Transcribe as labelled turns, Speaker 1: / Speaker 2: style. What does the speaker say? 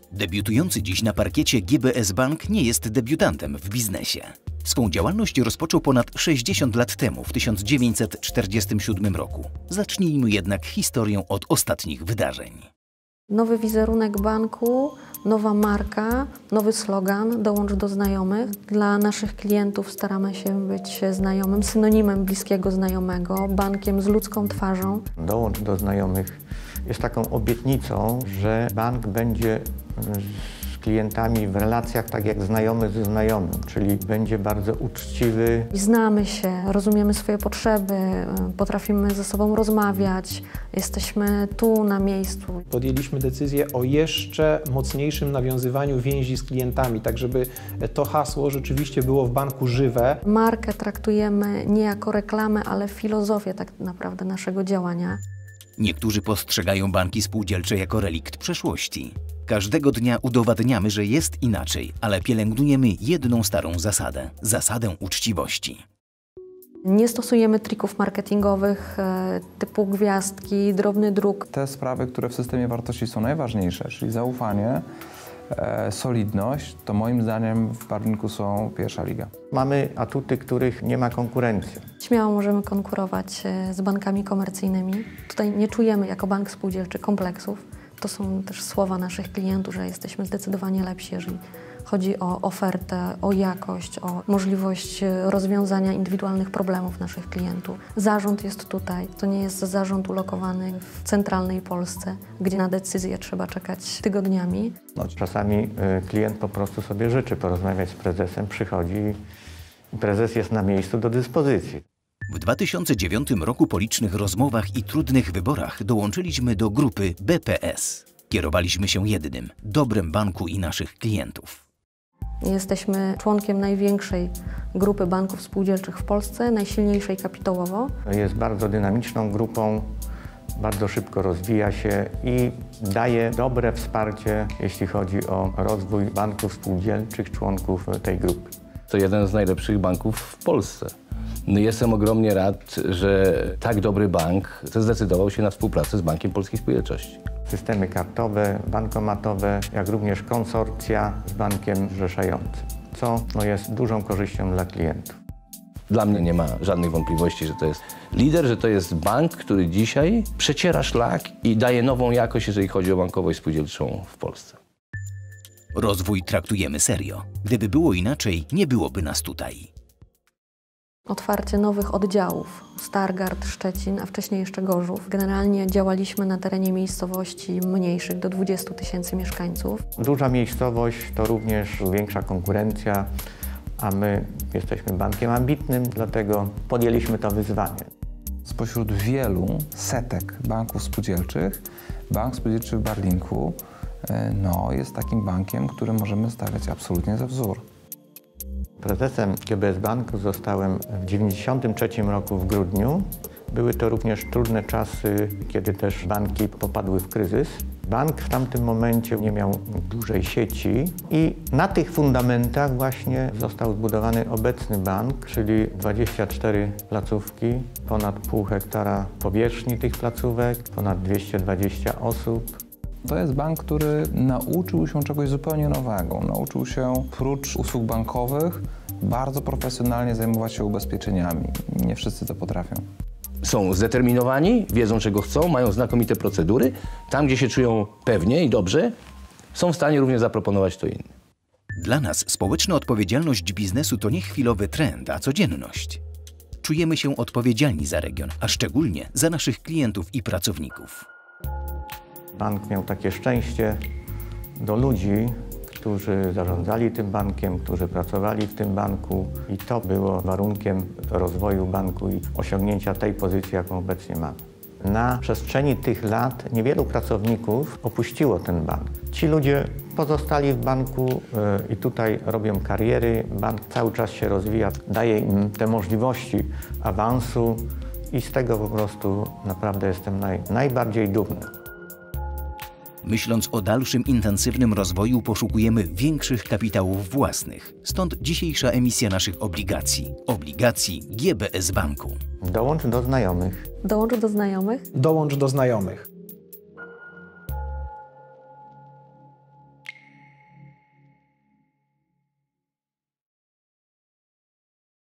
Speaker 1: Debiutujący dziś na parkiecie GBS Bank nie jest debiutantem w biznesie. Swą działalność rozpoczął ponad 60 lat temu, w 1947 roku. Zacznijmy jednak historię od ostatnich wydarzeń.
Speaker 2: Nowy wizerunek banku, nowa marka, nowy slogan "Dołącz do znajomych". Dla naszych klientów staramy się być znajomym, synonimem bliskiego znajomego, bankiem z ludzką twarzą.
Speaker 3: Dołącz do znajomych jest taką obietnicą, że bank będzie z klientami w relacjach tak jak znajomy ze znajomym, czyli będzie bardzo uczciwy.
Speaker 2: Znamy się, rozumiemy swoje potrzeby, potrafimy ze sobą rozmawiać, jesteśmy tu na miejscu.
Speaker 4: Podjęliśmy decyzję o jeszcze mocniejszym nawiązywaniu więzi z klientami, tak żeby to hasło rzeczywiście było w banku żywe.
Speaker 2: Markę traktujemy nie jako reklamę, ale filozofię tak naprawdę naszego działania.
Speaker 1: Niektórzy postrzegają banki spółdzielcze jako relikt przeszłości. Każdego dnia udowadniamy, że jest inaczej, ale pielęgnujemy jedną starą zasadę – zasadę uczciwości.
Speaker 2: Nie stosujemy trików marketingowych typu gwiazdki, drobny druk.
Speaker 5: Te sprawy, które w systemie wartości są najważniejsze, czyli zaufanie, solidność, to moim zdaniem w banku są pierwsza liga.
Speaker 3: Mamy atuty, których nie ma konkurencji.
Speaker 2: Śmiało możemy konkurować z bankami komercyjnymi. Tutaj nie czujemy jako bank spółdzielczy kompleksów. To są też słowa naszych klientów, że jesteśmy zdecydowanie lepsi, jeżeli chodzi o ofertę, o jakość, o możliwość rozwiązania indywidualnych problemów naszych klientów. Zarząd jest tutaj. To nie jest zarząd ulokowany w centralnej Polsce, gdzie na decyzję trzeba czekać tygodniami.
Speaker 3: Czasami klient po prostu sobie życzy porozmawiać z prezesem, przychodzi i prezes jest na miejscu do dyspozycji.
Speaker 1: W 2009 roku po licznych rozmowach i trudnych wyborach dołączyliśmy do grupy BPS. Kierowaliśmy się jednym – dobrem banku i naszych klientów.
Speaker 2: Jesteśmy członkiem największej grupy banków spółdzielczych w Polsce, najsilniejszej kapitałowo.
Speaker 3: Jest bardzo dynamiczną grupą, bardzo szybko rozwija się i daje dobre wsparcie, jeśli chodzi o rozwój banków spółdzielczych, członków tej grupy.
Speaker 6: To jeden z najlepszych banków w Polsce. No jestem ogromnie rad, że tak dobry bank zdecydował się na współpracę z Bankiem Polskiej Spółdzielczości.
Speaker 3: Systemy kartowe, bankomatowe, jak również konsorcja z bankiem zrzeszającym, co jest dużą korzyścią dla klientów.
Speaker 6: Dla mnie nie ma żadnych wątpliwości, że to jest lider, że to jest bank, który dzisiaj przeciera szlak i daje nową jakość, jeżeli chodzi o bankowość spółdzielczą w Polsce.
Speaker 1: Rozwój traktujemy serio. Gdyby było inaczej, nie byłoby nas tutaj.
Speaker 2: Otwarcie nowych oddziałów, Stargard, Szczecin, a wcześniej jeszcze Gorzów. Generalnie działaliśmy na terenie miejscowości mniejszych, do 20 000 mieszkańców.
Speaker 3: Duża miejscowość to również większa konkurencja, a my jesteśmy bankiem ambitnym, dlatego podjęliśmy to wyzwanie.
Speaker 5: Spośród wielu setek banków spółdzielczych, Bank Spółdzielczy w Barlinku jest takim bankiem, który możemy stawiać absolutnie za wzór.
Speaker 3: Prezesem GBS Banku zostałem w 1993 roku w grudniu. Były to również trudne czasy, kiedy też banki popadły w kryzys. Bank w tamtym momencie nie miał dużej sieci i na tych fundamentach właśnie został zbudowany obecny bank, czyli 24 placówki, ponad pół hektara powierzchni tych placówek, ponad 220 osób.
Speaker 5: To jest bank, który nauczył się czegoś zupełnie nowego. Nauczył się prócz usług bankowych bardzo profesjonalnie zajmować się ubezpieczeniami. Nie wszyscy to potrafią.
Speaker 6: Są zdeterminowani, wiedzą czego chcą, mają znakomite procedury. Tam, gdzie się czują pewnie i dobrze, są w stanie również zaproponować to innym.
Speaker 1: Dla nas społeczna odpowiedzialność biznesu to nie chwilowy trend, a codzienność. Czujemy się odpowiedzialni za region, a szczególnie za naszych klientów i pracowników.
Speaker 3: Bank miał takie szczęście do ludzi, którzy zarządzali tym bankiem, którzy pracowali w tym banku i to było warunkiem rozwoju banku i osiągnięcia tej pozycji, jaką obecnie mamy. Na przestrzeni tych lat niewielu pracowników opuściło ten bank. Ci ludzie pozostali w banku i tutaj robią kariery. Bank cały czas się rozwija, daje im te możliwości awansu i z tego po prostu naprawdę jestem najbardziej dumny.
Speaker 1: Myśląc o dalszym intensywnym rozwoju, poszukujemy większych kapitałów własnych. Stąd dzisiejsza emisja naszych obligacji. Obligacji GBS Banku.
Speaker 3: Dołącz do znajomych.
Speaker 2: Dołącz do znajomych.
Speaker 4: Dołącz do znajomych.